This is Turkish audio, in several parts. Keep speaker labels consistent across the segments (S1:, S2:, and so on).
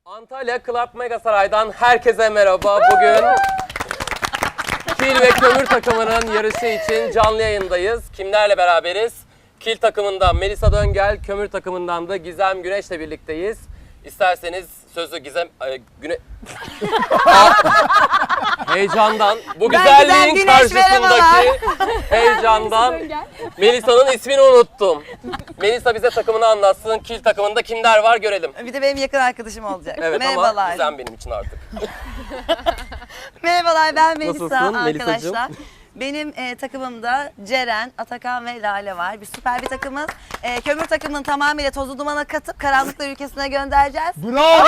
S1: Antalya Club Megasaray'dan herkese merhaba. Bugün Kil ve Kömür takımının yarışı için canlı yayındayız. Kimlerle beraberiz? Kil takımından Melisa Döngel, Kömür takımından da Gizem Güneş'le birlikteyiz. İsterseniz sözü Gizem... Heyecandan, bu güzelliğin karşısındaki heyecandan Melisa'nın ismini unuttum. Melisa bize takımını anlatsın. Kil takımında kimler var görelim.
S2: Bir de benim yakın arkadaşım olacak.
S1: Evet
S2: Merhabalar.
S1: ama Gizem benim için artık.
S2: Merhabalar, ben Melisa.
S1: Nasılsın
S2: arkadaşlar.
S1: Melisacığım?
S2: Benim takımımda Ceren, Atakan ve Lale var. Bir süper bir takımız. Kömür takımının tamamıyla tozu dumana katıp karanlıklar ülkesine göndereceğiz.
S3: Bravo!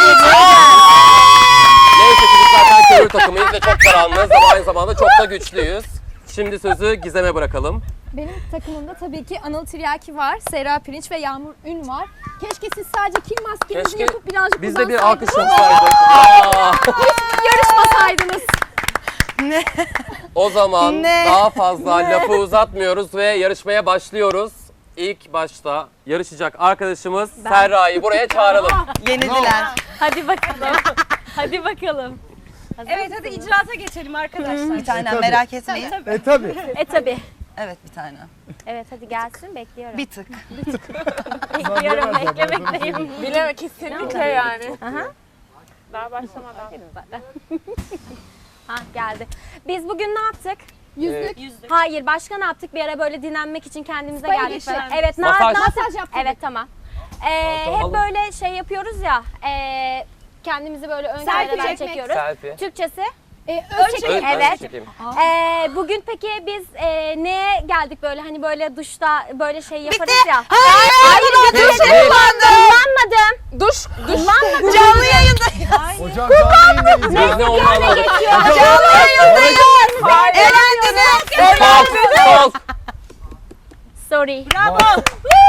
S1: Neyse ki biz zaten Kömür takımıyız ve çok karanlığız ama aynı zamanda çok da güçlüyüz. Şimdi sözü Gizem'e bırakalım.
S4: Benim takımımda tabii ki Anıl Tiryaki var, Serra Pirinç ve Yağmur Ün var. Keşke siz sadece kil maskenizi
S1: Keşke
S4: yapıp birazcık
S1: biz de bir alkış
S4: kullansaydınız.
S1: olsaydık.
S4: Yarışmasaydınız.
S2: Ne?
S1: O zaman
S2: Ne?
S1: daha fazla lafı uzatmıyoruz ve yarışmaya başlıyoruz. İlk başta yarışacak arkadaşımız Serra'yı buraya çağıralım.
S2: Yenildiler.
S5: Hadi bakalım. Hadi bakalım.
S6: Evet hadi icraata geçelim arkadaşlar.
S2: Bir tane
S3: tabii.
S2: merak etmeyin.
S3: Tabii.
S5: Tabii.
S2: Evet, bir tane.
S5: Evet hadi gelsin bekliyorum.
S2: Bir tık.
S5: Bekliyorum beklemekteyim.
S6: Bileme kesinlikle yani.
S5: Daha başlamadan. Ha geldi. Biz bugün ne yaptık?
S4: Yüzlük.
S5: Hayır başka ne yaptık? Bir ara böyle dinlenmek için kendimize
S4: Spa
S5: geldik.
S4: girişi.
S5: Böyle. Evet
S1: Masaj.
S5: masaj
S4: yaptık.
S5: Evet tamam.
S1: Tamam.
S5: Hep böyle şey yapıyoruz ya. Kendimizi böyle ön
S4: Selfie
S5: kameradan
S4: çekmek.
S5: çekiyoruz.
S1: Selfie.
S5: Türkçesi.
S4: Ölçek.
S5: çekim.
S1: Ben
S5: Evet.
S1: çekeyim.
S5: Bugün peki biz neye geldik böyle hani böyle duşta böyle şey yaparız ya.
S2: Hayır,
S1: Değil,
S2: duş
S1: değil.
S5: Kullanmadım.
S6: Duş.
S5: Kullanmadım.
S2: canlı yayındayız.
S3: Hocam canlı yayındayız ya.
S1: Biz ne onu anladık.
S2: Canlı yayındayız. Elendiniz.
S1: Sol.
S5: Sorry.
S1: Bravo.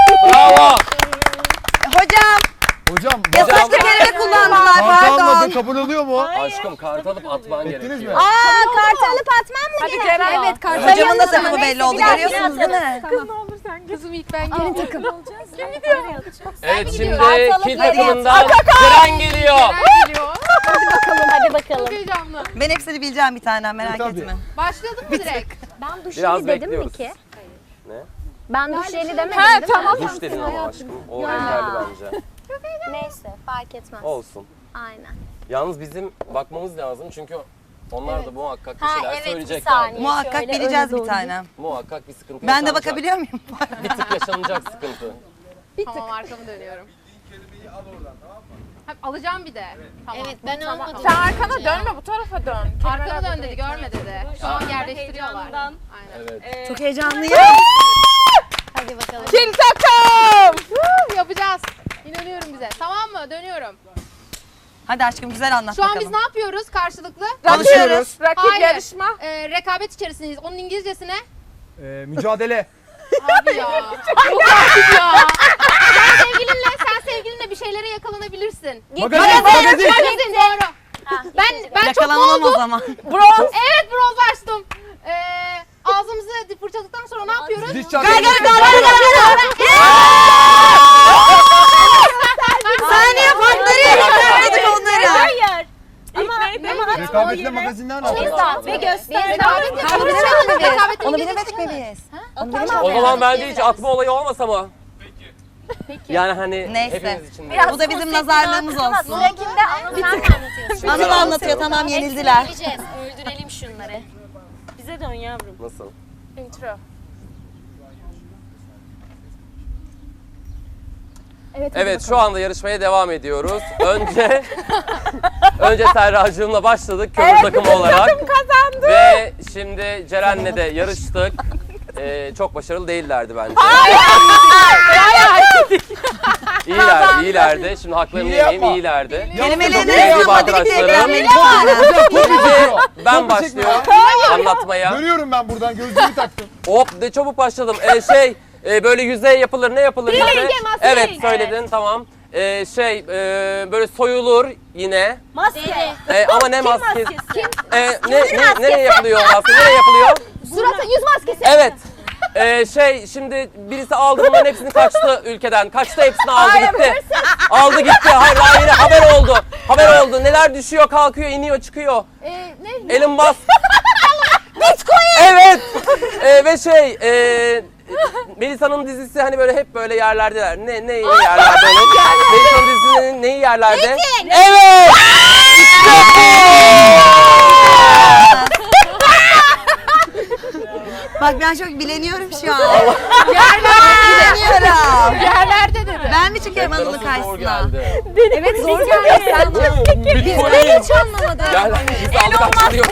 S2: Hocam,
S3: Hocam
S2: yasaklı kelime kullandılar,
S3: kartı almadın
S2: pardon.
S3: kabul oluyor mu?
S1: Aşkım kart alıp atman
S3: Ettiniz
S1: gerekiyor.
S3: mi?
S5: Kartı alıp atmam mı
S6: Hadi
S5: gerekiyor?
S6: Ceren.
S4: Evet kartı.
S2: Hocamın da
S5: Sayalım.
S2: takımı belli oldu,
S5: Biraz
S2: görüyorsunuz değil mi?
S6: Kızım ilk ben
S4: Benim takım.
S1: Evet şimdi
S5: Kartalı
S1: Kil
S5: geliyor.
S1: takımından Ceren geliyor.
S6: geliyor.
S5: Hadi bakalım.
S6: Heyecanlı.
S2: Ben hepsini bileceğim bir tane, merak
S3: Tabii.
S2: etme.
S6: Başladık mı direkt?
S5: Ben duş
S1: Biraz
S5: jeli dedim mi
S1: bekliyoruz.
S5: ki?
S1: Ne?
S5: Ben duş jeli demedim
S6: Ha,
S5: değil mi?
S6: tamam.
S1: Duş dedin ama aşkım. O yeterli bence.
S5: Neyse fark etmez.
S1: Olsun.
S5: Aynen.
S1: Yalnız bizim bakmamız lazım çünkü onlar da muhakkak bir
S5: Ha
S1: şeyler
S5: evet bir
S1: söyleyecekler.
S5: saniye.
S2: Muhakkak
S5: Şöyle
S2: bileceğiz
S5: öne
S2: bir
S5: doğru.
S2: tane.
S1: Muhakkak bir sıkıntı
S2: Ben de
S1: yaşanacak.
S2: bakabiliyor muyum?
S1: Bir tık yaşanacak sıkıntı.
S6: Tamam arkamı dönüyorum. Alacağım bir de. Tamam.
S5: Evet ben
S6: Tamam.
S5: almadım.
S6: Sen arkana dönme bu tarafa dön. Arkana dön dedi görme dedi. Şu an yerleştiriyorlar. Aynen.
S1: Evet.
S2: Çok heyecanlıyım.
S5: Hadi bakalım.
S6: Kil takım! Yapacağız. İnanıyorum bize. Tamam mı? Dönüyorum.
S2: Hadi aşkım, güzel anlat
S6: Şu an
S2: bakalım.
S6: biz ne yapıyoruz karşılıklı?
S2: Konuşuyoruz.
S6: Rakip yarışma. Rekabet içerisindeyiz. Onun İngilizcesine?
S3: Mücadele.
S6: Abi ya. Çok artık ya. Sen sevgilinle bir şeylere yakalanabilirsin.
S3: Magazin.
S6: Magazin doğru. Ben çok
S2: Yakalanamam o
S6: boğuldum.
S2: zaman.
S6: Bronz. Evet bronz açtım. Ağzımızı fırçaladıktan sonra ne yapıyoruz?
S3: Diş çarpı.
S2: Saniye farklarıyla göstermedik onları.
S5: Hayır.
S3: Rekabetle magazinler ne yapıyor?
S5: Ve göster.
S2: Onu bilemedik mi biz? Onu bilemedik mi biz? Onu bilemedik
S1: O
S2: mi?
S1: zaman bence hiç atma olayı olmasa mı? Peki. Yani hani
S2: Neyse.
S1: hepimiz için de.
S2: Bu da bizim nazarlığımız olsun.
S5: Sıra kimde? Anıl sen mi anlatıyorsun?
S2: Anıl anlatıyor, tamam, yenildiler.
S5: Öldürelim şunları. Bize dön yavrum.
S1: Nasıl?
S6: Intro.
S1: Evet şu anda yarışmaya devam ediyoruz. Önce Serracığımla başladık kömür takımı olarak. Kazandı. Ve şimdi Ceren'le de yarıştık. Çok başarılı değillerdi bence. İyilerdi. Şimdi haklarını
S3: Hile
S1: yemeyeyim,
S3: yapma.
S1: iyilerdi.
S2: Kelimeleri
S1: Sevgili
S2: yapmadık diye
S1: arkadaşlarım.
S2: bilenmedik.
S1: Ben başlıyorum anlatmaya.
S3: Görüyorum ben buradan gözlüğümü taktım.
S1: Hop ne çabuk başladım. Böyle yüzeye yapılır, ne yapılır yüzeye? Evet söyledin tamam. Böyle soyulur yine.
S5: Maske.
S1: Ama ne maskesi? Nereye yapılıyor maske? Nereye yapılıyor?
S5: Surata yüz maskesi.
S1: Evet. Şimdi birisi aldı bunların hepsini kaçtı ülkeden. Kaçtı hepsini aldı gitti. Aldı gitti. Hayır haber oldu. neler oldu? Neler düşüyor, kalkıyor, iniyor, çıkıyor.
S4: Ne?
S1: Elon Musk.
S2: Bitcoin.
S1: Evet. Ve Melisa'nın dizisi hani böyle hep böyle yerlerdeler. Ne yerlerde onun? Melisa'nın dizisinin neyi yerlerde? Evet. İşte
S2: Bak ben çok bileniyorum şu an. Bileniyorum.
S6: Yerlerde dedi.
S2: Ben mi çıkıyorum
S1: bu.
S2: Anıl'ın
S1: Nasıl zor
S2: karşısına?
S1: geldi.
S4: Evet zor geliyor.
S1: Bitcoin.
S4: Hiç anlamadım.
S1: Gel biz aldık açılıyor.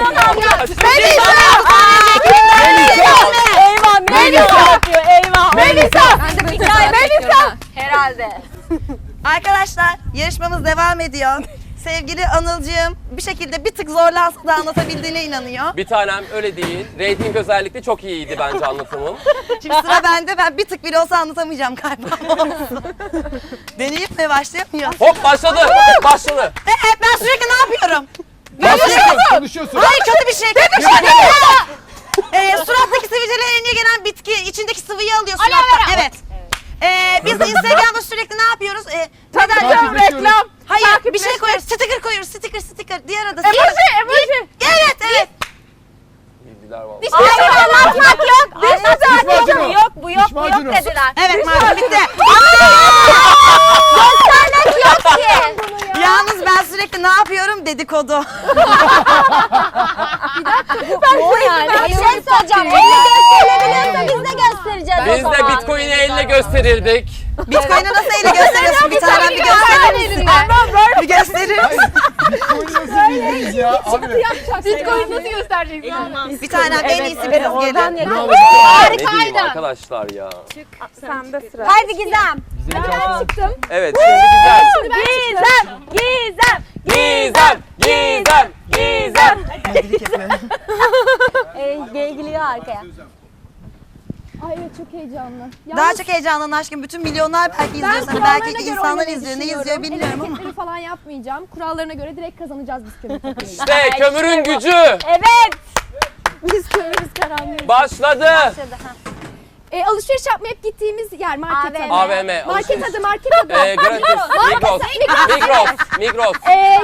S2: Eyvah Melisa yapıyor eyvah.
S4: Melisa. Ben de Melisa.
S2: Herhalde. Arkadaşlar yarışmamız devam ediyor. Sevgili Anılcığım bir şekilde bir tık zorlansa da anlatabildiğine inanıyor.
S1: Bir tanem öyle değil. Rating özellikle çok iyiydi bence anlatımım.
S2: Şimdi sıra bende. Ben bir tık bile olsa anlatamayacağım galiba. Deneyip mi başlayalım mı?
S1: Hop başladı. Başladı.
S2: Ben sürekli ne yapıyorum?
S3: Konuşuyorsun.
S2: Hayır kötü bir şey. Kötü bir şey değil. Surattaki sivilcelerine gelen bitki içindeki sıvıyı alıyor suratta. Evet. Biz de Instagram'da sürekli ne yapıyoruz?
S3: Reklam.
S2: Hayır bir şey koyuyoruz. Sticker koyuyoruz. Sticker. Diğer adı.
S6: Emoji.
S2: Evet.
S1: Bildiler vallahi.
S6: Diş anlatmak yok. Diş
S3: macunu.
S6: Yok bu yok
S3: Diş macunu.
S6: dediler.
S2: Evet macun bitti.
S6: Göstermek yok ki.
S2: Yalnız ben sürekli ne yapıyorum dedikodu.
S4: O yani.
S5: Bir şey soracağım. Elle gösterilebiliyorsa biz de göstereceğiz
S1: Biz de Bitcoin'i elle gösterirdik.
S2: Bitcoin'i nasıl ele gösteriyorsun? Bir tane bir gösterir misin? Bir gösterir misin?
S3: Bitcoin'i nasıl bildiniz ya? Abi.
S6: Bitcoin nasıl göstereceksin?
S2: Bir tane en iyisi biraz gelin.
S3: Bravo.
S1: Ne diyeyim arkadaşlar ya.
S5: Haydi Gizem.
S4: Ben çıktım.
S1: Evet şimdi güzel.
S5: Gizem.
S1: Gizem.
S5: Geliyor arkaya.
S4: Ay evet çok heyecanlı.
S2: Daha çok heyecanlanın aşkım. Bütün milyonlar belki izliyor seni.
S4: kurallarına
S2: Belki
S4: göre
S2: insanlar
S4: oynamayı
S2: izliyor. Ne
S4: düşünüyorum.
S2: izliyor bilmiyorum ama.
S4: Hareketleri falan yapmayacağım. Kurallarına göre direkt kazanacağız biz kömür takımıyla.
S1: İşte kömürün gücü.
S5: Evet.
S4: Biz kömürüz karanlığız.
S1: Başladı.
S4: Alışveriş yapmaya hep gittiğimiz yer market
S5: AVM.
S4: adı.
S1: AVM.
S4: Market adı, market adı.
S1: Gratis. Migros.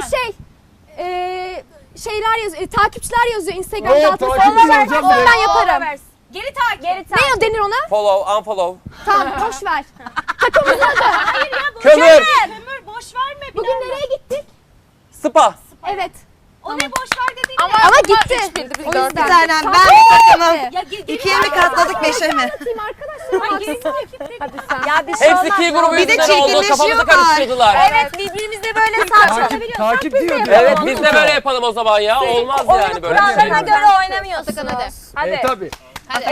S4: Şeyler yazıyor, takipçiler yazıyor Instagram'da.
S3: Oo, takipçi yazacağım direkt.
S4: Ben yaparım.
S5: Geri takip.
S4: Ne denir ona?
S1: Follow, unfollow.
S4: Tamam, boş ver.
S1: Kömür.
S5: Boş verme.
S4: Bugün nereye gittik?
S1: Spa.
S4: Evet.
S5: O ne boş ver dediğin.
S4: Ama gitti. O
S2: Bir
S4: yüzden.
S2: tanem ben bir takımım.
S5: Ya
S2: İkiye mi katladık beşe mi?
S4: Atayım arkadaşlar.
S5: Ya bir şey
S1: Hepsi
S5: olmaz.
S1: Ki grubu
S2: Bir de
S1: yüzünden oldu. Kafamızı
S2: çirkinleşiyorlar.
S1: karıştırdılar.
S5: Evet birbirimizle böyle saçma.
S3: Takip diyor.
S1: Evet biz de böyle yapalım o zaman ya. Olmaz yani böyle bir şey.
S5: Kurallarına göre oynamıyorsunuz.
S6: Hadi.
S3: Tabii.
S5: Hadi.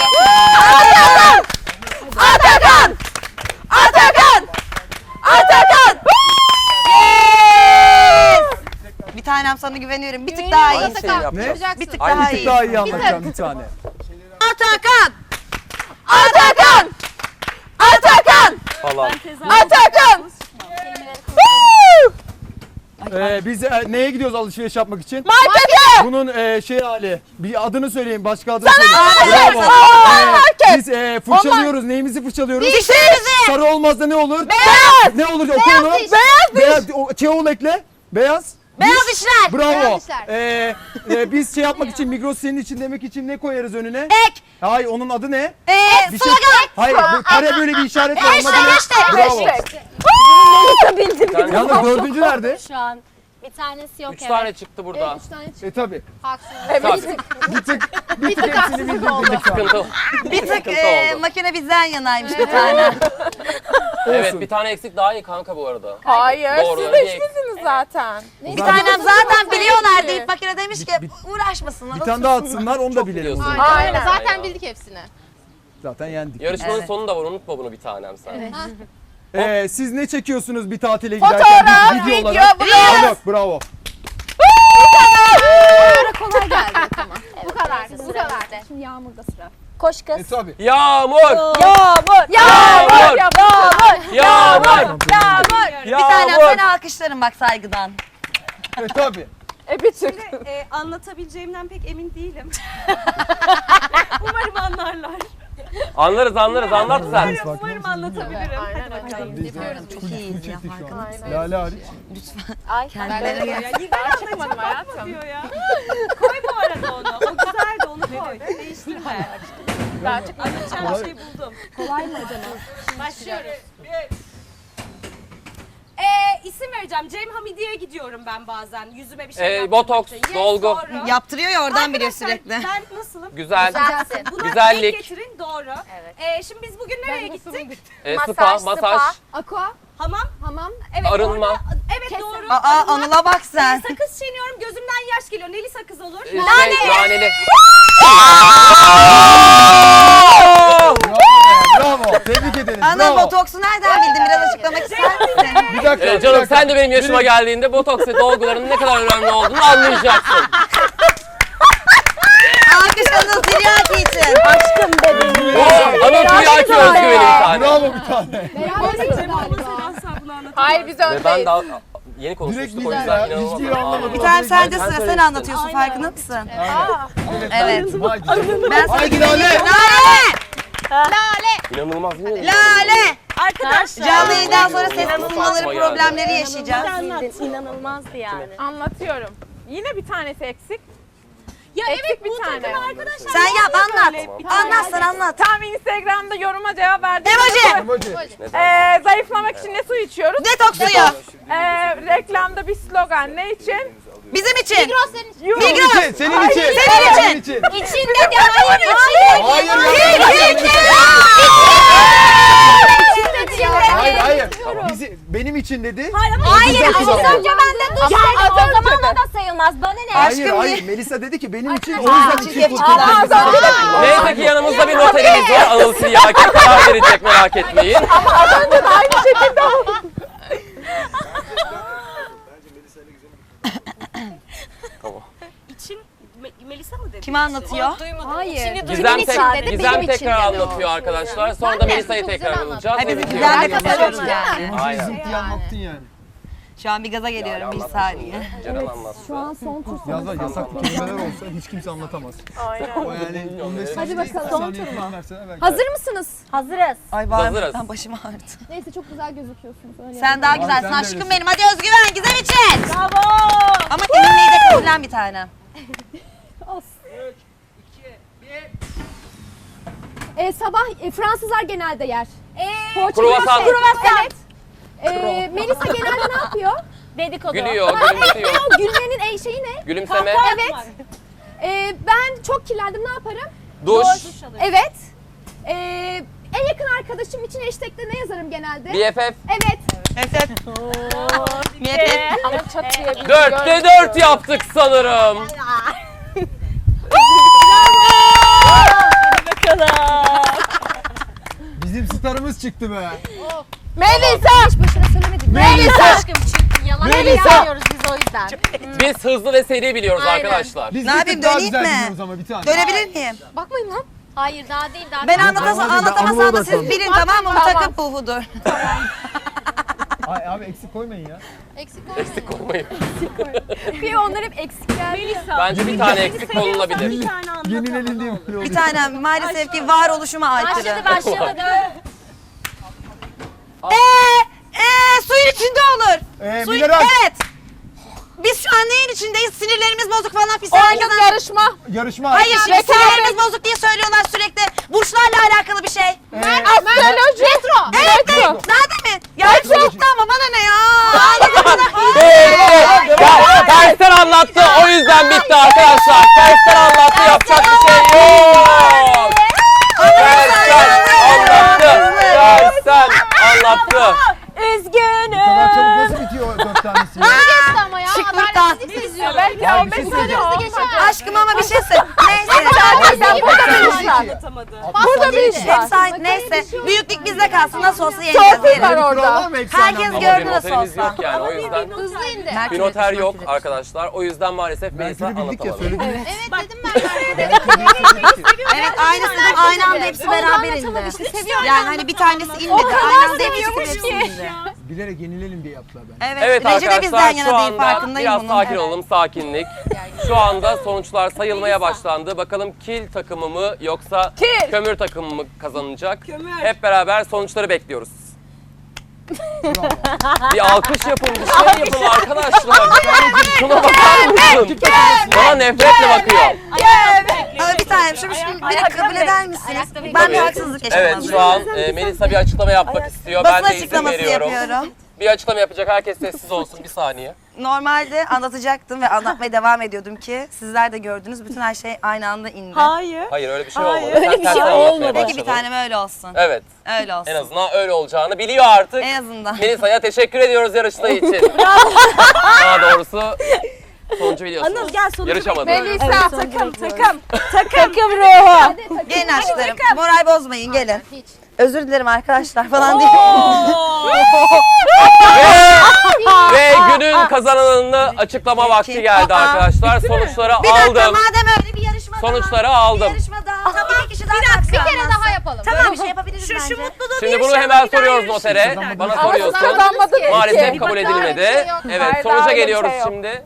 S2: Bir tanem sana güveniyorum. Bir tık daha iyi.
S1: Aynı şeyi yapacağız.
S3: Ne?
S2: Bir tık
S1: Aynı
S2: daha
S3: Bir tık
S2: iyi.
S3: daha iyi anlatacağım bir tane.
S2: Atakan!
S1: Falan.
S3: Biz neye gidiyoruz alışveriş yapmak için? Markete! Bunun şey hali. Bir adını söyleyin, başka adını söyleyin. Bravo. Biz fırçalıyoruz. Neyimizi fırçalıyoruz?
S2: Dişlerinizi!
S3: Sarı olmaz da ne olur? Beyaz! Ne olur? Oku onu. Beyaz. Çeol ekle. Beyaz.
S2: Beyaz işler!
S3: Bravo.
S6: Beyaz işler.
S3: Biz şey yapmak için, Migros senin için demek için ne koyarız önüne?
S2: Ek!
S3: Hayır, onun adı ne? Bir şey.
S2: Slogan!
S3: Hayır, bu kare böyle bir işaret var. Onun adı ne?
S2: Hashtag,
S3: Bravo.
S1: Sen
S3: Yalnız dördüncü nerede?
S5: Şu an bir tanesi yok
S1: 3 tane çıktı burada.
S4: 3 tane çıktı.
S3: Tabii.
S1: Tabii.
S3: Bir tık hepsini bildirdik şu an.
S1: Sıkıntı.
S2: Bir tık
S1: Sıkıntı oldu.
S2: makine bizden yanaymış bir tane.
S1: Evet bir tane eksik daha iyi kanka bu arada.
S6: Hayır.
S1: Doğru,
S6: Siz
S1: bir
S6: de
S1: eksik.
S6: işsiniz zaten.
S2: Bir tanem zaten biliyorlar deyip makine demiş ki uğraşmasınlar.
S3: Bir tane daha atsınlar, onu da bilelim.
S1: biliyorsun.
S3: o zaman.
S6: Aynen.
S1: Ya.
S6: Zaten bildik hepsini.
S3: Zaten yendik.
S1: Yarışmanın
S2: Evet.
S1: sonu da var unutma bunu bir tanem sen.
S3: Siz ne çekiyorsunuz bir tatile giderken?
S6: Fotoğraf,
S3: Biz
S6: video,
S3: olarak.
S6: blog.
S3: Blog, bravo.
S4: Kolay geldi. Tamam.
S6: Bu kadar. Bu kadar.
S4: Şimdi Yağmur'da sıra.
S5: Koş kız.
S3: Tabii.
S1: Yağmur!
S5: Yağmur.
S1: Yağmur! Yağmur!
S2: Bir tanem ben alkışlarım bak saygıdan.
S3: Tabii.
S6: Bir tık.
S7: Anlatabileceğimden pek emin değilim. Umarım anlarlar.
S1: Anlarız anlat sen.
S2: Umarım anlatabilirim. Hadi bakalım.
S3: Çok iyi çektik şu an. Lale hariç.
S2: Kendileri gel.
S6: Çıkmadım hayatım.
S2: Koy bu arada onu. O güzeldi, onu koy. Değiştirme. Anlatacağım bir şey buldum.
S4: Kolay mı acaba?
S2: Başlıyoruz. İsim vereceğim. Cem Hamidi'ye gidiyorum ben bazen. Yüzüme bir şey yaptırmak
S1: Botoks,
S2: için.
S1: dolgu.
S2: Doğru.
S7: Yaptırıyor ya oradan biliyor
S2: Arkadaşlar,
S7: sürekli.
S2: Ben nasılım?
S1: Güzel.
S2: Buna
S1: Güzellik.
S2: denk getirin. Doğru. Şimdi biz bugün nereye gittik?
S1: Spa, masaj.
S4: Aqua,
S2: Hamam.
S4: hamam,
S2: Evet.
S1: Arınma.
S2: orada- evet doğru.
S7: Aa Anıl'a bak sen.
S2: Sakız çiğniyorum. Gözümden yaş geliyor. Neli sakız olur?
S1: Naneli.
S3: Bravo. Tebrik ederiz.
S7: Anıl
S3: Bravo.
S7: botoksu nereden bildin? Biraz açıklamak ister misin?
S3: Bir dakika. bir
S1: Canım
S3: dakika.
S1: sen de benim yaşıma geldiğinde botoks ve dolguların ne kadar önemli olduğunu anlayacaksın.
S7: Alkış Anıl Tiryaki için.
S1: Anıl Tiryaki özgüveni bir tane.
S3: Bravo bir tane.
S4: beraberiz galiba.
S6: Hayır biz
S1: Ve ben
S6: öndeyiz.
S1: daha yeni
S3: Direkt
S1: konuşmuştuk
S3: biz
S1: o
S3: ya.
S1: yüzden
S3: Hiçbir
S1: inanılmaz.
S3: anlamadım.
S7: Bir tane sende
S1: Sen
S7: sıra sen
S1: söylemiştin.
S7: anlatıyorsun farkında mısın? Evet.
S3: Haydi.
S7: Ben sana
S3: Haydi Lale.
S7: Lale!
S1: İnanılmaz değil mi?
S7: Lale!
S2: Arkadaşlar.
S7: Canlı yayından sonra ses kısılmaları problemleri yaşayacağız.
S5: İnanılmazdı yani.
S6: Anlatıyorum. Yine bir tanesi eksik.
S2: Ya
S6: Eksik
S2: evet
S6: bir
S2: bu
S6: tane.
S2: takım arkadaşlar.
S7: Sen yap anlat. Anlat sen anlat.
S6: Tam Instagram'da yoruma cevap verdim.
S7: Emoji.
S6: Zayıflamak için ne su içiyoruz?
S7: Detoks suyu.
S6: Reklamda bir slogan ne için?
S7: Bizim için.
S6: Euro.
S3: Senin için. Senin için.
S7: Senin için.
S2: İçinde de hayır içinde.
S3: Hayır. Hayır hayır. Benim için dedi.
S5: Hayır
S3: Güzel
S5: az
S3: kullandı.
S5: önce ben de duş dedim. O zaman o da sayılmaz. Bana ne?
S3: Hayır
S7: Aşkım
S3: hayır.
S7: niye?
S3: Melisa dedi ki benim için o yüzden için
S7: çirkef
S3: kurtardı.
S1: Neyse ki yanımızda bir noterimiz var. Anıl Tiryaki karar verecek, merak etmeyin.
S2: İçin Melisa mı dedi?
S7: Kim anlatıyor?
S4: Hayır.
S1: Gizem,
S5: dedi,
S1: Gizem
S5: benim için
S1: tekrar
S5: dedi.
S1: anlatıyor arkadaşlar. Sonra da Melisa'yı
S6: Çok
S1: tekrar
S6: güzel
S1: alacağız.
S7: Ay biz
S1: Evet,
S7: güzel de
S1: diyor.
S7: konuşuyoruz yani.
S1: Aynen.
S3: Zımpı anlattın yani.
S7: Şu an bir gaza geliyorum bir saniye.
S1: Ceren anlattı.
S4: Şu an son tur
S3: Yazlar yasaklı kelimeler olsa hiç kimse anlatamaz. O yani 15
S4: Hadi bakalım.
S3: Son turma. Verseler belki.
S4: Hazır mısınız?
S5: Hazırız.
S7: Ay bağırmaktan başım ağrıdı.
S4: Neyse çok güzel gözüküyorsunuz. Öyle
S7: Sen daha
S3: Ay,
S7: güzelsin
S3: sen de
S7: aşkım
S3: öylesin.
S7: benim. Hadi özgüven Gizem için.
S2: Bravo.
S7: Ama gelinliği de kabullen bir tane.
S4: Sabah Fransızlar genelde yer.
S1: Kruvasan.
S4: Evet. Melisa genelde ne yapıyor?
S5: Dedikodu.
S1: Gülüyor, gülümsüyor.
S4: O gülmenin şeyi ne?
S1: Gülümseme.
S4: Evet. Ben çok kirlendim ne yaparım?
S1: Duş.
S4: Evet. En yakın arkadaşım için hashtag'te ne yazarım genelde?
S1: BFF.
S4: Evet.
S7: Evet. Niyet
S6: Ama çat diye bir
S1: 4'te 4 yaptık sanırım.
S3: Bizim starımız çıktı be.
S4: Hiç başına söylemedim.
S3: Melisa.
S5: Aşkım çünkü yalan
S3: Melisa.
S5: yapmıyoruz biz o yüzden.
S1: Biz hızlı ve seri biliyoruz
S6: Aynen.
S1: arkadaşlar.
S3: Biz
S7: Ne
S3: bir
S7: yapayım,
S3: tık daha
S7: döneyim
S3: güzel
S7: mi?
S3: biliyoruz ama bir tane.
S7: Dönebilir miyim?
S4: Bakmayın lan.
S5: Hayır daha değil daha.
S7: Ben
S5: değil.
S7: anlatamazsam da siz bilin tamam mı? Bu takım puhudur.
S3: Ay abi eksik koymayın ya.
S1: Eksik olmayın.
S4: Bir onlar hep eksikler.
S1: Bence bir tane eksik konulabilir.
S2: Bir tane anlat.
S3: Yenilelin diye böyle
S7: Bir
S3: oluyor.
S7: tane maalesef ki varoluşuma aykırı.
S5: Başladı.
S7: Suyun içinde olur. Suyun,
S3: Mineral.
S7: evet. Biz şu an neyin içindeyiz? Sinirlerimiz bozuk falan filan. Herkes
S6: yarışma.
S3: Yarışma.
S7: Hayır şimdi sinirlerimiz bozuk diye söylüyorlar sürekli. Burçlarla alakalı bir şey.
S6: Astroloji. Retro.
S7: Evet de. Nerede mi? Ya hepsi gitti ama bana ne ya?
S1: Tersten anlattı, o yüzden bitti arkadaşlar. Tersten anlattı, yapacak bir şey yok. Tersten anlattı. Tersten anlattı.
S7: Üzgünüm.
S3: Bu kadar çabuk nasıl bitiyor 4 tanesi ya?
S6: Geçti ama ya.
S7: Şıklıktan.
S6: Belki
S3: Ya
S6: 15
S3: bir şey
S6: saniye
S3: söyleyeceğim.
S6: oldu.
S7: Aşkım ama bir şey söyle. Neyse.
S6: Sen burada bir iş var.
S2: Anlatamadı.
S6: Burada bir iş var.
S7: Hep sahip neyse. Büyüklük bizde kalsın. Nasıl olsa yeneceğiz.
S6: Torpil var
S7: Yeriz.
S6: orada.
S7: Herkes
S1: Ama
S7: gördü
S1: bir
S7: nasıl
S1: noterimiz
S7: olsa.
S1: yok yani, o yüzden.
S6: Hızlı indi.
S1: Bir noter yok arkadaşlar. O yüzden maalesef Melisa
S3: Mert'i bildik ya
S1: anlatamadı.
S3: söyledik.
S6: Evet dedim ben.
S7: Evet aynısı dedim aynı anda hepsi beraber indi. Yani hani bir tanesi inmedi. Aynı anda hepsi indi.
S3: Bilerek yenilelim diye yaptılar ben.
S7: Evet.
S1: Evet
S7: Rece de bizden
S1: arkadaşlar, şu
S7: yana değil
S1: anda
S7: farkındayım
S1: biraz
S7: bunun.
S1: sakin olalım, sakinlik. Şu anda sonuçlar sayılmaya başlandı. bakalım kil takımı mı yoksa
S4: Kil.
S1: kömür takımı mı kazanacak? Hep beraber sonuçları bekliyoruz. Bir alkış yapın, bir şey yapın arkadaşlar. Şuna bakar mısın? Bana nefretle bakıyor.
S2: Bir tane şimdi beni kabul eder misiniz? Ben bir haksızlık yaşadım.
S1: Evet, şu an Melisa bir açıklama yapmak istiyor.
S2: Basın
S1: Ben de izin
S2: açıklaması
S1: veriyorum.
S2: yapıyorum.
S1: Bir açıklama yapacak, herkes sessiz olsun bir saniye.
S2: Normalde anlatacaktım ve anlatmaya devam ediyordum ki sizler de gördünüz bütün her şey aynı anda indi.
S1: Hayır öyle bir şey olmadı. Sen tersten anlatmaya
S2: Peki bir
S1: başladın.
S2: tanem öyle olsun.
S1: Evet,
S2: Öyle olsun.
S1: en azından öyle olacağını biliyor artık.
S2: En azından.
S1: Melisa'ya teşekkür ediyoruz yarıştığı için. Daha doğrusu sonucu biliyorsunuz.
S7: Anıl gel sonucu
S1: Yarışamadı.
S4: Melisa takım.
S7: Takım ruhu.
S2: Gelin aşklarım. Moral bozmayın gelin. Özür dilerim arkadaşlar falan değil.
S1: Ve günün kazananını açıklama vakti geldi arkadaşlar. Sonuçları
S2: Bir dakika
S1: aldım.
S2: madem öyle bir yarışma
S1: Sonuçları
S2: daha.
S1: aldım.
S2: Bir yarışma daha. Tamam bir kişi daha.
S6: Bir kere daha yapalım.
S2: Tamam bir şey yapabiliriz bence.
S7: Şu mutluluğu
S1: Şimdi bunu hemen soruyoruz notere. Bana soruyorsun.
S4: Kazanmadın ki.
S1: Maalesef kabul edilmedi. Evet,
S4: Hayır,
S1: sonuca
S4: daha öyle bir
S1: geliyoruz
S4: şey yok.
S1: şimdi.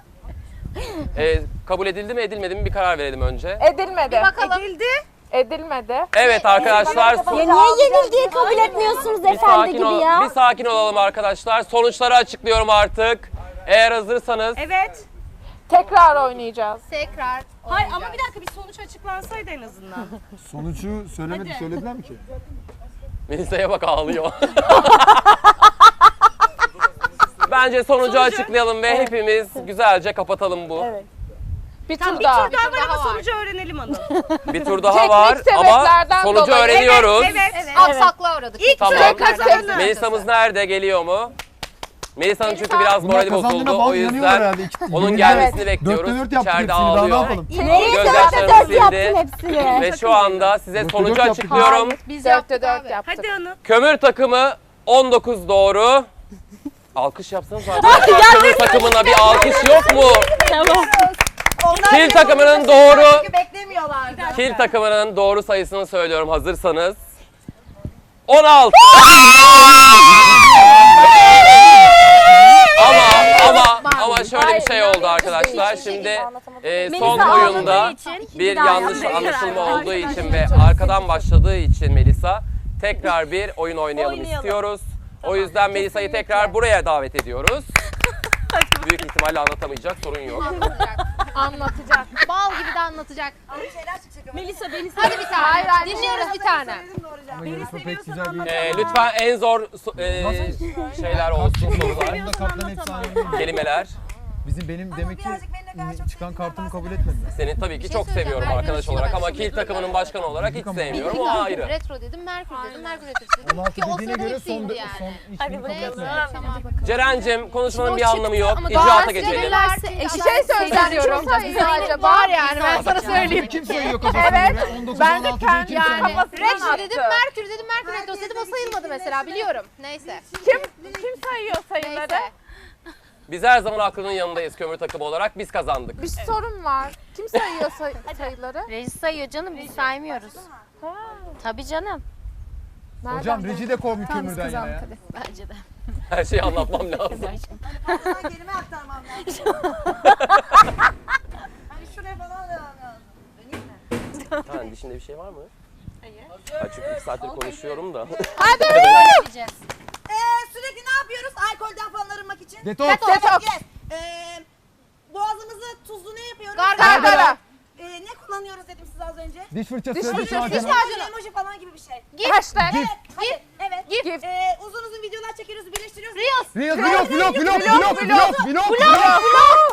S1: Kabul edildi mi edilmedi mi bir karar verelim önce.
S4: Edilmedi.
S6: Bakalım.
S4: Edilmedi.
S1: Evet arkadaşlar.
S5: Ya niye yenilgiyi kabul etmiyorsunuz efendi gibi ya?
S1: Bir sakin olalım arkadaşlar. Sonuçları açıklıyorum artık. Eğer hazırsanız.
S7: Evet.
S4: Tekrar oynayacağız.
S6: Tekrar.
S7: Hayır ama bir dakika bir sonuç açıklansaydı en azından.
S3: Sonucu söylediler mi ki?
S1: Melisa'ya bak ağlıyor. Bence sonucu açıklayalım ve hepimiz güzelce kapatalım bu.
S4: Bir
S7: Tamam
S4: tur
S7: bir
S4: daha.
S7: tur daha var ama sonucu öğrenelim Anıl.
S1: Bir tur daha
S4: Teknik
S1: var ama
S4: sebeplerden
S1: sonucu
S4: dolayı.
S1: öğreniyoruz.
S7: Evet.
S6: Aksaklığa uğradık.
S7: İlk
S1: Tamam.
S7: tur kazandı.
S1: Melisa'mız nerede? Geliyor mu? Melisa'nın çünkü biraz
S3: Bunlar
S1: morali
S3: kazandığına
S1: bozuldu. O
S3: bağlı yanıyorlar
S1: yüzden
S3: herhalde.
S1: onun gelmesini bekliyoruz.
S3: 4'te 4 yaptık
S1: İçeride
S3: hepsini daha ne
S1: ağlıyor.
S3: yapalım?
S1: Gözyaşlarını sildi.
S5: hepsini.
S1: Ve şu anda size
S3: Dörtte
S1: sonucu
S3: dört yaptık.
S1: açıklıyorum.
S6: Biz
S4: 4'te
S6: yaptık
S4: 4
S6: abi.
S4: yaptık.
S7: Hadi Anıl.
S1: Kömür takımı 19 doğru. Alkış yapsanız arkadaşlar. Kömür takımına bir alkış yok mu? Kil takımının doğru.
S2: Beklemiyorlar.
S1: Kil takımının doğru sayısını söylüyorum hazırsanız. 16. Ama şöyle bir şey oldu arkadaşlar. Şimdi son oyunda bir yanlış anlaşılma olduğu için ve arkadan başladığı için Melisa tekrar bir oyun oynayalım istiyoruz. O yüzden Melisa'yı tekrar buraya davet ediyoruz. Büyük ihtimalle anlatamayacak, sorun yok.
S6: Anlatacak. Bal gibi de anlatacak.
S7: Melisa beni
S6: Hadi bir tane.
S4: Hayır, hayır.
S6: Dinliyoruz bir tane.
S3: Ama yarışma pek güzel bir...
S1: Lütfen en zor şeyler olsun, sorular,
S3: Bunda kartların efsane
S1: kelimeler.
S3: Benim demek ki çıkan kartımı kabul etmediler.
S1: Seni tabii ki
S6: şey
S1: çok seviyorum arkadaş olarak ama Kil takımının başkanı olarak hiç sevmiyorum, o ayrı.
S6: Retro dedim, Merkür dedim, Merkür Retrosu dedim.
S3: 16
S6: Ki o
S3: dediğine
S6: sırada
S3: göre
S6: hepsi indi yani.
S3: hiçbirini kabul
S6: Neyse,
S3: etmediler.
S6: tamam.
S1: Ceren'cim konuşmanın bir anlamı yok,
S6: Ama
S1: icraata geçelim.
S4: Bir şey söyleyeceğim. Sadece var yani ben sana söyleyeyim.
S3: Kim sayıyor kafasına
S4: Evet.
S3: göre? 19
S4: Ben de
S3: 16
S4: kendi
S3: kim
S4: yani
S3: sayıyor?
S4: kafasından
S6: Retro dedim,
S4: attı.
S6: Merkür dedim, Merkür Retrosu dedim, o sayılmadı mesela biliyorum. Neyse.
S4: Kim sayıyor sayıları?
S6: Neyse.
S1: Biz her zaman aklının yanındayız kömür takımı olarak, biz kazandık.
S4: Bir sorun var. Kim sayıyor sayıları?
S5: Reji sayıyor canım biz saymıyoruz. Tabii canım.
S3: Hocam Reci de kovmuş kömürden ya.
S5: Bence de.
S1: Her şeyi anlatmam lazım.
S2: Kelime aktarmam lazım. Hani şuraya falan devam lazım.
S1: Ha, dişinde bir şey var mı? Hayır. Çünkü 2 saattir konuşuyorum da.
S2: Sürekli ne yapıyoruz? Alkolden falan arınmak için.
S3: Detoks.
S4: Detoks.
S2: Yes. Boğazımızı tuzlu ne yapıyoruz?
S4: Gargara.
S2: Ne kullanıyoruz dedim size az önce.
S3: Diş fırçası.
S4: Diş fırçası,
S3: macunu.
S4: diş macunu.
S2: Emoji falan gibi bir şey.
S4: Hashtag.
S2: Evet. Hadi. Evet.
S4: Gif.
S2: Uzun uzun videolar çekiyoruz, birleştiriyoruz.
S6: Reels.
S3: Vlog.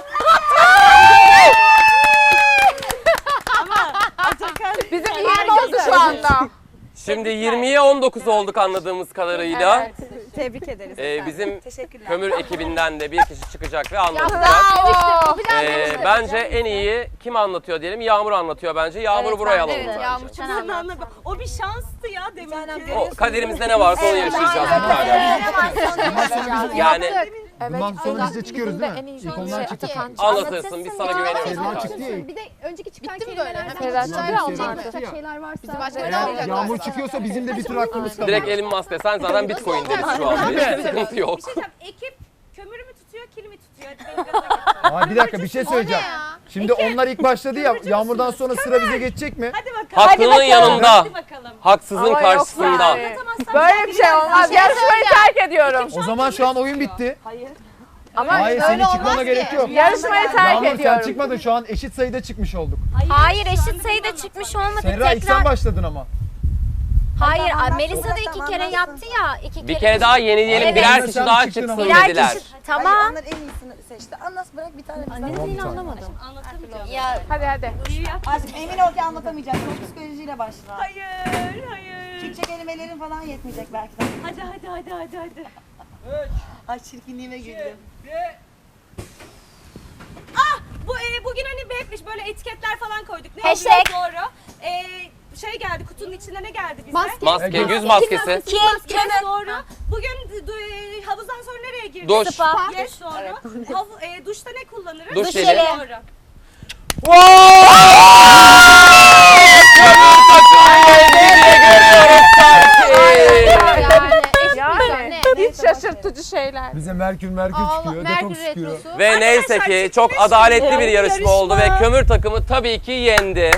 S4: Bizim 20 oldu şu anda.
S1: Şimdi 20'ye 19 olduk anladığımız kadarıyla.
S4: Evet.
S7: Tebrik ederiz.
S1: Bizim
S2: Teşekkürler.
S1: kömür ekibinden de bir kişi çıkacak ve anlatacak.
S4: Bravo.
S1: Bence en iyi kim anlatıyor diyelim? Yağmur anlatıyor bence. Yağmur'u buraya alalım.
S6: Evet, Yağmur çok anlattı.
S7: O bir şanstı ya demin ki.
S1: O kaderimizde ne varsa onu yaşayacağız. Yani
S3: Bundan sonra biz de çıkıyoruz değil mi?
S4: En iyi
S3: İlk onlar çıktı.
S1: anlatırsın, biz sana güveniyoruz.
S3: Serra
S1: bir
S3: çıktı
S1: tane.
S3: ya.
S4: Bir de önceki çıkan
S6: Bitti mi böyle?
S4: kelimelerden
S6: Hemen
S4: çıkan
S6: çıkıyor,
S4: olacak
S3: çıkıyor.
S4: şeyler varsa.
S6: Bizi başka
S4: böyle
S6: ne
S3: Eğer
S6: yapacak?
S3: yağmur çıkıyorsa bizim de bir tur hakkımız kalıyor.
S1: Direkt Elon Musk'la sen zaten Bitcoin deriz şu an. Hiçbir sıkıntı yok.
S7: Ekip kömürü mü tutuyor, kili mi tutuyor? Hadi beni gaza getir.
S3: Aa, bir dakika bir şey
S6: O ne
S3: söyleyeceğim.
S6: ya?
S3: Şimdi onlar ilk başladı ya. Yağmurdan sonra sıra bize geçecek mi?
S1: Haklının yanında, haksızın karşısında.
S8: Böyle bir şey olmaz. Yarışmayı terk ediyorum.
S3: O zaman şu an oyun bitti.
S8: Ama
S3: Hayır senin çıkmana gerek yok.
S8: yarışmayı terk
S3: Yağmur sen
S8: ediyorum.
S3: çıkmadın. Şu an eşit sayıda çıkmış olduk.
S5: Hayır eşit sayıda çıkmış olmadı.
S3: Serra ilk sen başladın ama.
S5: Hayır Melisa da 2 kere yaptı ya. 2 kere.
S1: Bir kere daha yenileyelim,
S5: Evet.
S1: birer
S3: Sen
S1: kişi daha
S3: çıktın
S1: çıksın
S3: ama.
S5: Birer
S1: dediler.
S5: kişi. Tamam.
S7: Onlar en iyisini seçti. Anlas bırak bir tane.
S4: Dediğini anlamadım.
S5: Ya
S8: Hadi.
S7: Aşkım emin ol ki anlatamayacağım. Çok psikolojiyle başla. Hayır. Türkçe kelimelerin falan yetmeyecek belki de. Hadi. Ay çirkinliğime güldüm.
S2: Bugün hani hep böyle etiketler falan koyduk. Ne
S5: Hashtag.
S2: oluyor? Doğru. Şey geldi, kutunun içinde ne geldi bize?
S1: Maske, yüz maskesi.
S2: Yes, doğru. Bugün havuzdan sonra nereye girdik?
S1: Duş.
S5: Spa.
S2: Yes, doğru. Duşta ne kullanırız?
S1: Duş
S5: Duş
S1: jeli.
S5: jeli.
S2: Doğru.
S8: Yani hiç şaşırtıcı şeyler.
S3: Bize Merkür çıkıyor. Detoks çıkıyor.
S1: Ve neyse ki çok adaletli bir yarışma oldu ve kömür takımı tabii ki yendi.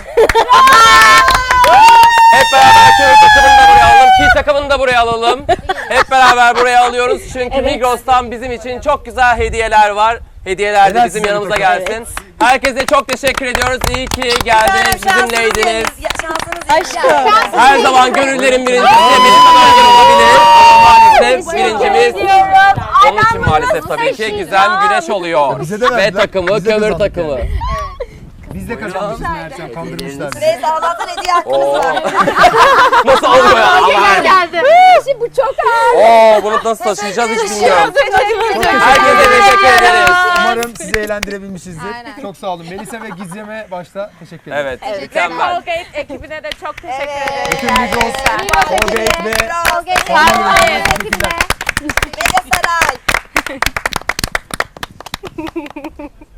S1: Hep beraber kömür takımını da buraya alalım, kil takımını da buraya alalım. Hep beraber buraya alıyoruz çünkü Migros'tan bizim için çok güzel hediyeler var. Hediyeler de
S3: Helal
S1: bizim
S3: size
S1: yanımıza
S3: bu takım.
S1: gelsin. Herkese çok teşekkür ediyoruz. İyi ki geldiniz, bizimleydiniz.
S7: Şansınız
S1: Her zaman gönüllerin birincisi Melisa'dan yer olabilir. Ama maalesef birincimiz onun için maalesef tabii ki Gizem Güneş oluyor.
S3: Bize de
S1: Ve
S3: verdiler.
S1: takımı
S3: Bize de
S1: kömür
S3: zannet
S1: takımı.
S3: yani. Biz de kazanmışız meğersem. Kandırmışlar bizi.
S7: Neyse Allah'tan hediye hakkınız
S1: Oo.
S7: var.
S1: Nasıl oluyor ya? Aman.
S8: Geldi.
S4: Bu çok ağır.
S1: Oo, bunu nasıl taşıyacağız hiç bilmiyorum. Herkese teşekkür ederiz.
S3: Umarım sizi eğlendirebilmişizdir. Çok sağ olun. Melisa ve Gizem'e başta teşekkür ederim.
S1: Evet, mükemmel.
S8: Colgate ekibine de çok teşekkür ederim.
S3: Bütün Migros, Colgate ve
S7: Colgate. Mega Saray.